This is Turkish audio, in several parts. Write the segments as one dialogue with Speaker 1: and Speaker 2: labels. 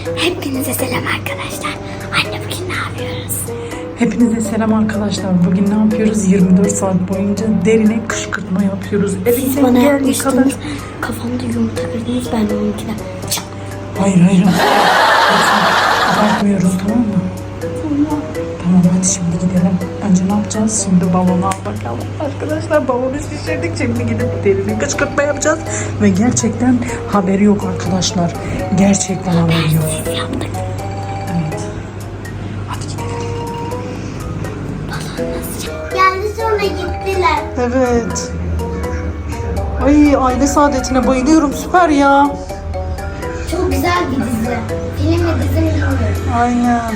Speaker 1: Hepinize selam arkadaşlar. Anne bugün ne yapıyoruz?
Speaker 2: Hepinize selam arkadaşlar. Bugün ne yapıyoruz? 24 saat boyunca derine kışkırtma yapıyoruz.
Speaker 1: Siz bana yapmıştınız. Kafamda yumurta kırdınız, ben de onunkine.
Speaker 2: Hayır. Abartmıyoruz, tamam mı? Tamam hadi şimdi gidelim. Önce ne yapacağız? Şimdi balonu al bakalım. Arkadaşlar balonu şişirdik. Şimdi gidip derine kışkırtma yapacağız. Ve gerçekten haberi yok arkadaşlar. Gerçekten haberi yok.
Speaker 1: Siz yaptık.
Speaker 2: Evet. Hadi gidelim.
Speaker 1: Geldi sonra gittiler.
Speaker 2: Evet. Ay aile saadetine bayılıyorum. Süper ya.
Speaker 1: Çok güzel bir dizi. Film mi dizi mi bilmiyorum.
Speaker 2: Aynen.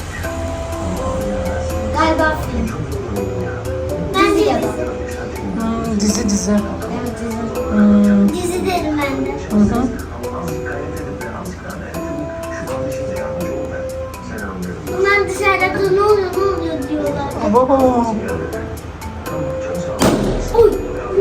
Speaker 1: Galiba film. Ben de yazdım.
Speaker 2: Dizi.
Speaker 1: Evet dizi. Dizi derim ben de.
Speaker 2: Hı.
Speaker 1: Bunlar dışarıda ne oluyor diyorlar.
Speaker 2: Abo.
Speaker 1: Uy.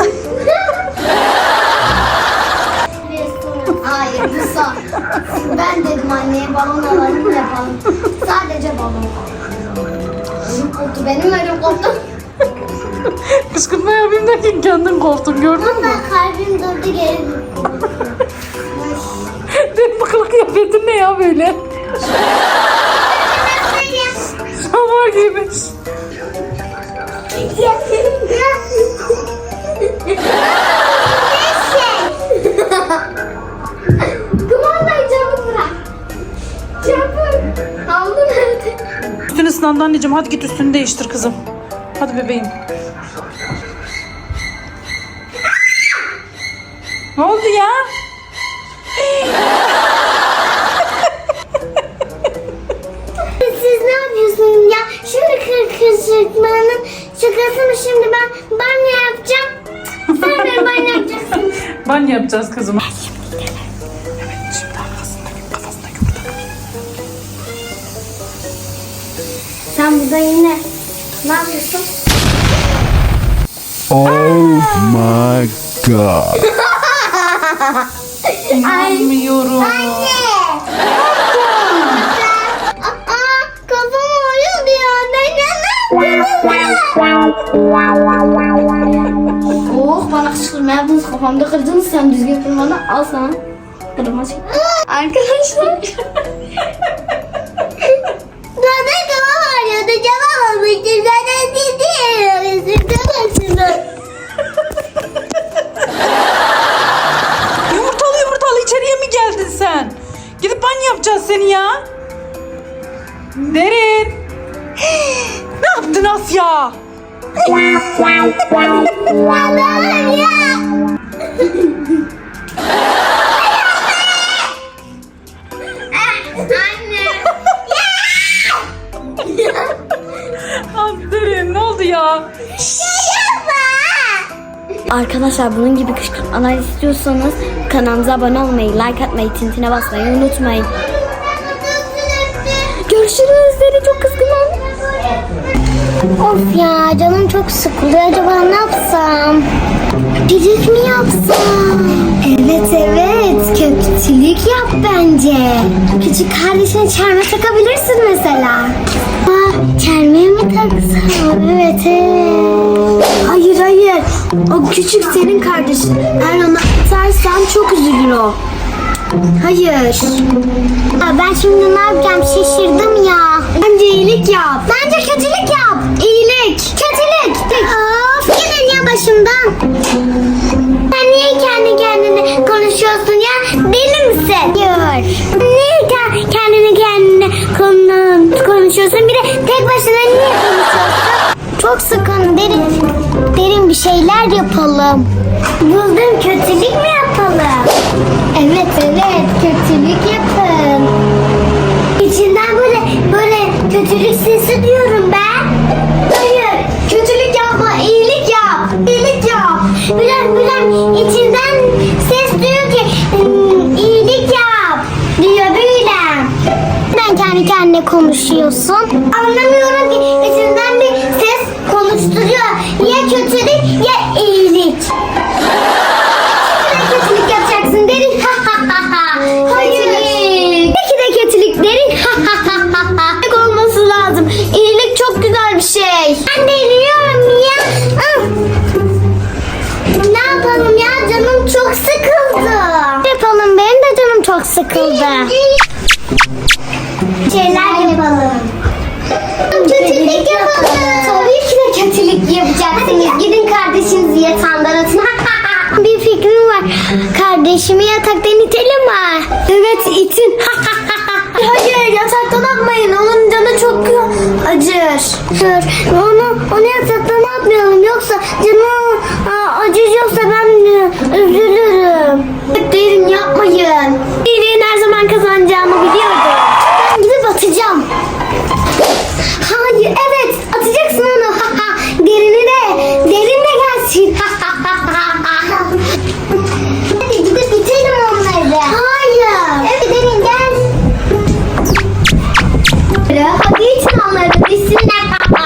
Speaker 1: Hayır bu son. Ben dedim anneye balon alalım yapalım. Sadece balon. Benim koptu, benim öyle koptu.
Speaker 2: Kışkırtma yapayım derken kendin korktun, gördün mü?
Speaker 1: Ama kalbim durdu geri gitti.
Speaker 2: Benim bu kılık kıyafetin ne ya böyle? Samar giymiş.
Speaker 1: Kumandayı çabuk bırak. Çabuk. Havlu nerede?
Speaker 2: Üstünü ıslandı anneciğim, hadi git üstünü değiştir kızım. Hadi bebeğim. Ne oldu ya?
Speaker 1: Siz ne yapıyorsunuz ya? Şimdi kışkırtmanın şakasını şimdi ben banyo yapacağım. Sen de banyo yapacaksın.
Speaker 2: Banyo yapacağız kızım. Evet, şimdi kafasında yumurta.
Speaker 1: Sen burada yine ne yapıyorsun?
Speaker 3: Oh my god.
Speaker 2: İnanmıyorum.
Speaker 1: Kafam ağrıyordu ya. Oh bana kışkırtma yaptınız, kafamda kırdınız, sen düzgün kırmadan al sana. Kırma çık. Arkadaşlar. Zaten kafam ağrıyordu. Cevap almıştım. Zaten değil.
Speaker 2: Yumurtalı içeriye mi geldin sen? Gidip banyo yapacağız seni ya. Derin. Ne yaptın Asya? Derin ne oldu ya?
Speaker 1: Arkadaşlar bunun gibi kışkırtmalar istiyorsanız kanalımıza abone olmayı, like atmayı, tintine basmayı unutmayın. Görüşürüz. Seni çok kızgınım. Of ya canım çok sıkılıyor. Acaba ne yapsam? Pirinç mi yapsam? Evet. Kötülük yap bence. Küçük kardeşine çelme takabilirsin mesela. Çelme mi taksam? Evet. Hayır. O küçük senin kardeşin. Eğer ona atarsan çok üzülür o. Hayır. Ben şimdi ne yapacağım? Şaşırdım ya. Bence iyilik yap. Bence kötülük yap. İyilik. Kötülük. Of gidin ya başımdan. Sen niye kendi kendine konuşuyorsun ya? Deli misin? Hayır. Niye kendine konuşuyorsun? Bir de tek başına niye konuşuyorsun? Çok sıkın. Derin bir şeyler yapalım. Buldum, kötülük mü yapalım? Evet kötülük yapın. İçinden böyle kötülük sesi diyorum ben. Hayır kötülük yapma, iyilik yap. İyilik yap. Bülent içinden ses diyor ki iyilik yap diyor Bülent. Ben kendi kendine konuşuyorsun. Anlamıyorum ki içinden bir ses konuşturuyor. Ya kötülük ya iyilik. Kötülük yapacaksın derin. Hayır. Peki de kötülük Ben deliriyorum ya. Ne yapalım ya, canım çok sıkıldı. Ne yapalım, benim de canım çok sıkıldı. Şeyler yapalım. Kötülük yapalım. Tabii ki de kötülük yapacaksınız. Gidin kardeşinizi yatağından atın. Bir fikrim var. Kardeşimi yataktan itelim mi? Evet, itin. Hayır, yataktan atmayın. Onun canı çok acır. Dur, onu yataktan atmayalım. Yoksa canı acıyacaksa ben üzülürüm. Derin yapmayın. İyiliğin her zaman kazanacağımı biliyordum. Ben gidip atacağım. Hayır, evet, atacaksın onu. Derin de gelsin. Hadi gidip bitirelim onları. Hayır. Evet, Derin gel. Hadi için onları bitsinler.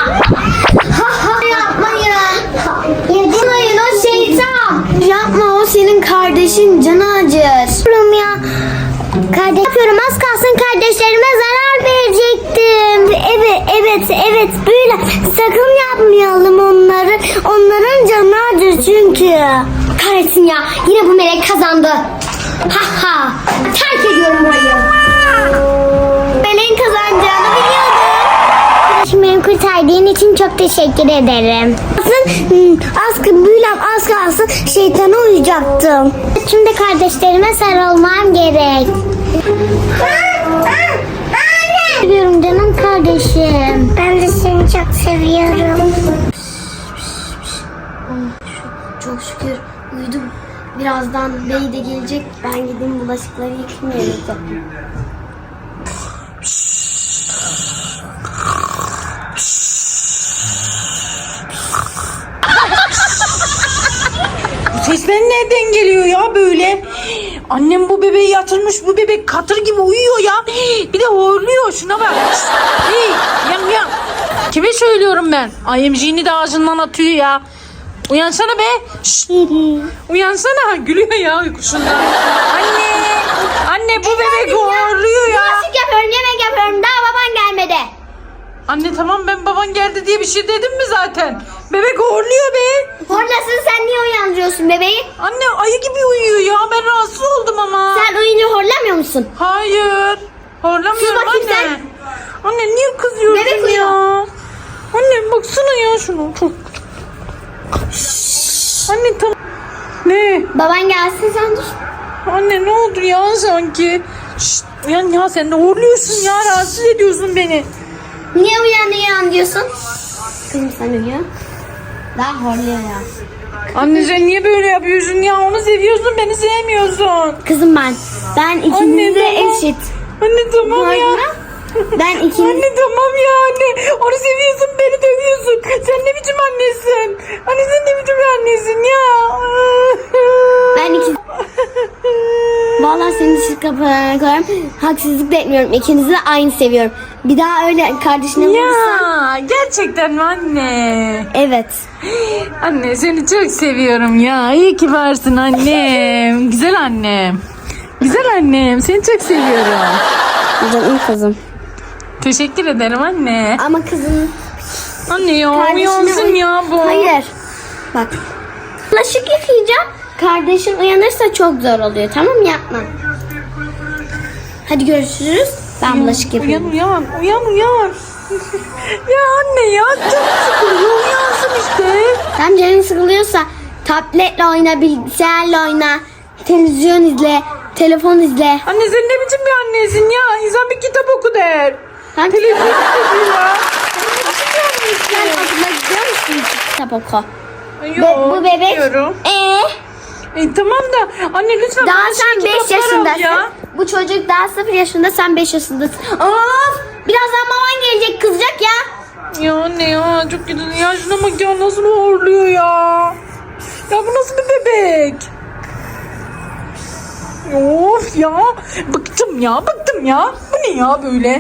Speaker 1: Yapmayın, o şeytan. Yapma, o senin kardeşin, canı acır. Yapıyorum ya. Yapıyorum, az kalsın kardeşlerime zarar verecektim. Evet böyle sakın yapmayalım onları. Onların canı acır çünkü. Kahretsin ya, yine bu melek kazandı. Terk ediyorum burayı. Meleğin kazanacağını biliyordum. Beni kurtardığın için çok teşekkür ederim. Az kalsın şeytana uyacaktım. Şimdi kardeşlerime sarılmam gerek. Seviyorum canım kardeşim. Ben de seni çok seviyorum. Çok şükür uyudum. Birazdan bey de gelecek. Ben gideyim bulaşıkları yıkayayım.
Speaker 2: Sesler nereden geliyor ya böyle? Annem bu bebeği yatırmış. Bu bebek katır gibi uyuyor ya. Bir de horluyor. Şuna bak. Hey, yan. Kime söylüyorum ben? IMG'ni de ağzından atıyor ya. Uyansana be. Şşt. Uyansana. Gülüyor ya uykusundan. Anne bu bebek horluyor ya.
Speaker 1: Bulaşık yapıyorum, yemek yapıyorum. Daha baban gelmedi.
Speaker 2: Anne tamam, ben baban geldi diye bir şey dedim mi zaten? Bebek horluyor be.
Speaker 1: Horlasın, sen niye uyandırıyorsun bebeği?
Speaker 2: Anne ayı gibi uyuyor ya. Ben rahatsız oldum ama.
Speaker 1: Sen uyuyunca horlamıyor musun?
Speaker 2: Hayır. Horlamıyorum
Speaker 1: Sus bakayım
Speaker 2: anne.
Speaker 1: sen.
Speaker 2: Anne niye kızıyorsun
Speaker 1: Bebek
Speaker 2: ya?
Speaker 1: uyuyor.
Speaker 2: Anne baksana ya şunu. Çok. Anne tamam. Ne?
Speaker 1: Baban gelsin, sen dur.
Speaker 2: Anne ne oldu ya sanki? Şşt, uyan ya, sen de horluyorsun ya. Rahatsız ediyorsun beni.
Speaker 1: Niye uyan diyorsun? Kızım sen uyuyor. Daha horluyor ya.
Speaker 2: Anne sen niye böyle yapıyorsun ya? Onu seviyorsun, beni sevmiyorsun.
Speaker 1: Kızım ben ikiniz de
Speaker 2: tamam.
Speaker 1: eşit.
Speaker 2: Anne tamam ya.
Speaker 1: Ben ikiniz...
Speaker 2: Anne tamam ya anne. Onu seviyorsun, beni dövüyorsun. Sen ne biçim annesin? Anne sen ne biçim annesin ya?
Speaker 1: Ben ikiniz... Vallahi seni dışarı kapıya koyarım. Haksızlık da etmiyorum. İkinizi de aynı seviyorum. Bir daha öyle kardeşine vurursan...
Speaker 2: Ya gerçekten mi anne?
Speaker 1: Evet.
Speaker 2: Anne seni çok seviyorum ya. İyi ki varsın annem. Güzel annem. Güzel annem. Seni çok seviyorum.
Speaker 1: Canım kızım.
Speaker 2: Teşekkür ederim anne.
Speaker 1: Ama kızım...
Speaker 2: Anne ya
Speaker 1: Kardeşine
Speaker 2: uyansın ya bu.
Speaker 1: Hayır. Bak. Bulaşık yıkayacağım. Kardeşin uyanırsa çok zor oluyor. Tamam mı? Yapma. Hadi görüşürüz. Ben bulaşık yapayım.
Speaker 2: Uyan. Ya anne ya çok sıkılıyor. Uyansın işte.
Speaker 1: Sen canın sıkılıyorsa tabletle oyna, bilgisayarla oyna, televizyon izle, telefon izle.
Speaker 2: Anne sen ne biçim bir annesin ya? İnsan bir kitap oku der.
Speaker 1: Sen
Speaker 2: Televizyon izliyor ya.
Speaker 1: Sen okula gidiyor musun? Kitap oku.
Speaker 2: Yok,
Speaker 1: Bu bebek.
Speaker 2: gidiyorum. Tamam da anne lütfen.
Speaker 1: Daha
Speaker 2: bana
Speaker 1: sen
Speaker 2: şey
Speaker 1: 5
Speaker 2: kitaplar al
Speaker 1: yaşındasın.
Speaker 2: ya.
Speaker 1: Bu çocuk daha 0 yaşında, sen 5 yaşındasın. Of! Birazdan baban gelecek, kızacak ya.
Speaker 2: Ya anne ya çok kötü. Ya şuna bak ya, nasıl horluyor ya. Ya bu nasıl bir bebek? Of ya. Bıktım ya. Bu ne ya böyle?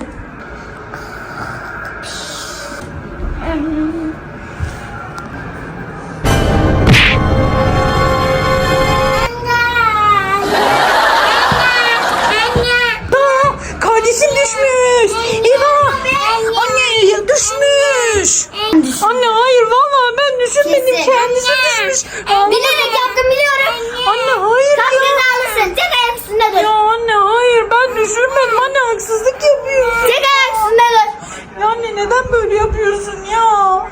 Speaker 2: Kardeşim düşmüş. Eyvah. Anne düşmüş. Anne hayır vallahi ben düşürmedim.
Speaker 1: Kesin.
Speaker 2: Kendisi düşmüş. Ağlama.
Speaker 1: Bilerek yaptım biliyorum.
Speaker 2: Anne hayır
Speaker 1: Kalk
Speaker 2: ya.
Speaker 1: cezalısın. Tek ayak üstünde dur.
Speaker 2: Ya anne hayır ben düşürmedim. Anne haksızlık yapıyorsun.
Speaker 1: Tek ayak üstünde dur.
Speaker 2: Ya anne neden böyle yapıyorsun ya?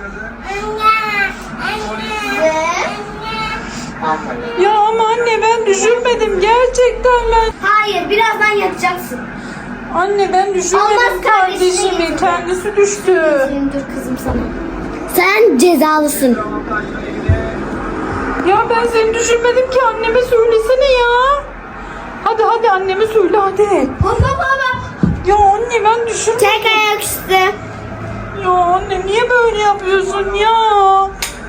Speaker 2: Ya ama anne ben düşürmedim. Gerçekten ben.
Speaker 1: Hayır birazdan yatacaksın.
Speaker 2: Anne ben düşürmedim
Speaker 1: Olmaz kardeşim.
Speaker 2: kardeşimi. Kendisi düştü.
Speaker 1: Dur kızım sana. Sen cezalısın.
Speaker 2: Ya ben seni düşürmedim ki anneme söylesene ya. Hadi hadi anneme söyle hadi.
Speaker 1: Hop hop hop.
Speaker 2: Ya anne ben düşürmedim.
Speaker 1: Tek ayak üstü.
Speaker 2: Ya anne niye böyle yapıyorsun ya?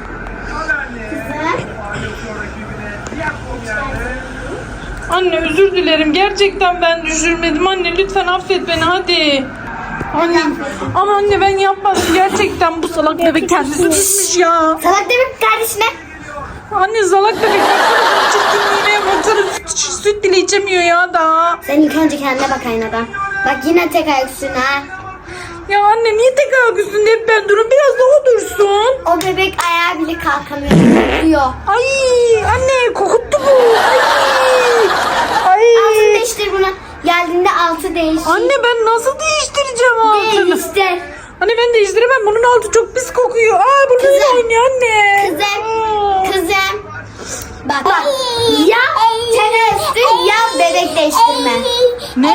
Speaker 2: Anne özür dilerim. Gerçekten ben düşürmedim. Anne lütfen affet beni hadi. Anne ama anne ben yapmadım. Gerçekten bu salak bebek kendisi düşmüş ya.
Speaker 1: Salak demek kardeşine.
Speaker 2: Anne salak bebek baksana çirkinliğine baksana süt bile içemiyor ya da.
Speaker 1: Sen ilk önce kendine bak aynadan. Bak yine tek ayak üstüne ha.
Speaker 2: Ya anne niye tek ayak üstünde hep ben durun biraz da o dursun.
Speaker 1: O bebek ayağa bile kalkamıyor. Korkuyor.
Speaker 2: Ay anne kokuttu bu. Ay.
Speaker 1: Altını değiştir bunu. Geldiğinde altı değiştir.
Speaker 2: Anne ben nasıl değiştireceğim altını?
Speaker 1: Değiştir.
Speaker 2: Anne ben değiştiremem bunun altı çok pis kokuyor. Aa bunu
Speaker 1: Kızım.
Speaker 2: da oynuyor anne.
Speaker 1: Kızım. Bak. Ya tek ayak üstü ya bebek değiştirme.
Speaker 2: Ne?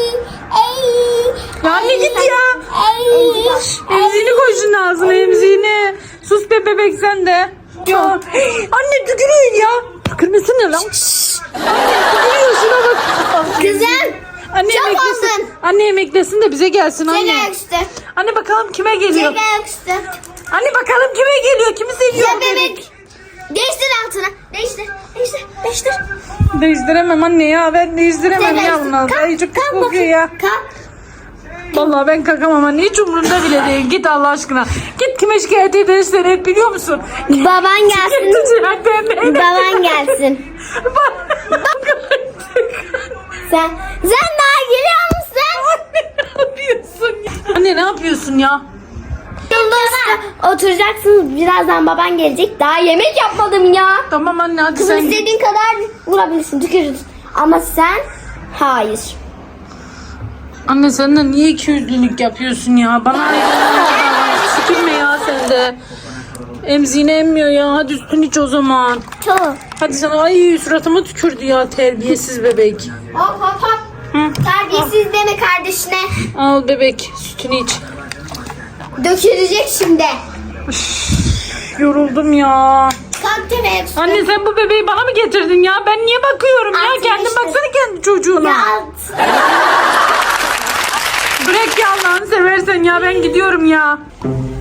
Speaker 2: Ya anne git ya. Emziğini koy şunun ağzına emziğini. Sus be bebek sen de. Ya anne tükürüyor ya. Tükürmesene lan. Anne tükürüyor şuna bak.
Speaker 1: Kızım.
Speaker 2: Anne
Speaker 1: Çok
Speaker 2: emeklesin.
Speaker 1: oldun.
Speaker 2: Anne emeklesin de bize gelsin
Speaker 1: Tek
Speaker 2: anne.
Speaker 1: ayak üstü.
Speaker 2: Anne bakalım kime geliyor.
Speaker 1: Tek ayak üstü.
Speaker 2: Anne bakalım kime geliyor. Kimi seviyor
Speaker 1: Ya
Speaker 2: bebek.
Speaker 1: bebek. Değiştir altına. Değiştir. Değiştir. Değiştir.
Speaker 2: Değiştiremem anne ya. Ben değiştiremem
Speaker 1: Tek
Speaker 2: ya
Speaker 1: ayak üstü.
Speaker 2: bunlar.
Speaker 1: Kalk,
Speaker 2: Ay çok pis
Speaker 1: kalk
Speaker 2: kokuyor
Speaker 1: bakayım.
Speaker 2: ya.
Speaker 1: Kalk.
Speaker 2: Vallahi ben kalkamam anne. Hiç umurumda bile değil. Git Allah aşkına. Git kime şikayet edersen et biliyor musun?
Speaker 1: Baban gelsin. Baban gelsin. Sen daha geliyor musun?
Speaker 2: Ne yapıyorsun ya? Anne ne yapıyorsun ya?
Speaker 1: Oturacaksınız birazdan baban gelecek. Daha yemek yapmadım ya.
Speaker 2: Tamam anne hadi
Speaker 1: Kızım
Speaker 2: sen git.
Speaker 1: istediğin kadar vurabilirsin, tükürürsün. Ama sen hayır.
Speaker 2: Anne sen de niye ikiyüzlülük yapıyorsun ya? Bana sıkılma ya sen de. Emziğini emmiyor ya. Hadi üstünü iç o zaman.
Speaker 1: Çok.
Speaker 2: Hadi sana ay suratıma tükürdü ya terbiyesiz bebek.
Speaker 1: Hop hop hop.
Speaker 2: Hı.
Speaker 1: Terbiyesiz deme kardeşine.
Speaker 2: Al bebek sütünü iç.
Speaker 1: Dökülecek şimdi.
Speaker 2: Yoruldum ya.
Speaker 1: Kalk temeye.
Speaker 2: Anne sen bu bebeği bana mı getirdin ya? Ben niye bakıyorum ya?
Speaker 1: Artık
Speaker 2: Kendin
Speaker 1: işte.
Speaker 2: baksana kendi çocuğuna.
Speaker 1: Ya.
Speaker 2: Bırak ya Allah'ını seversen ya ben gidiyorum ya.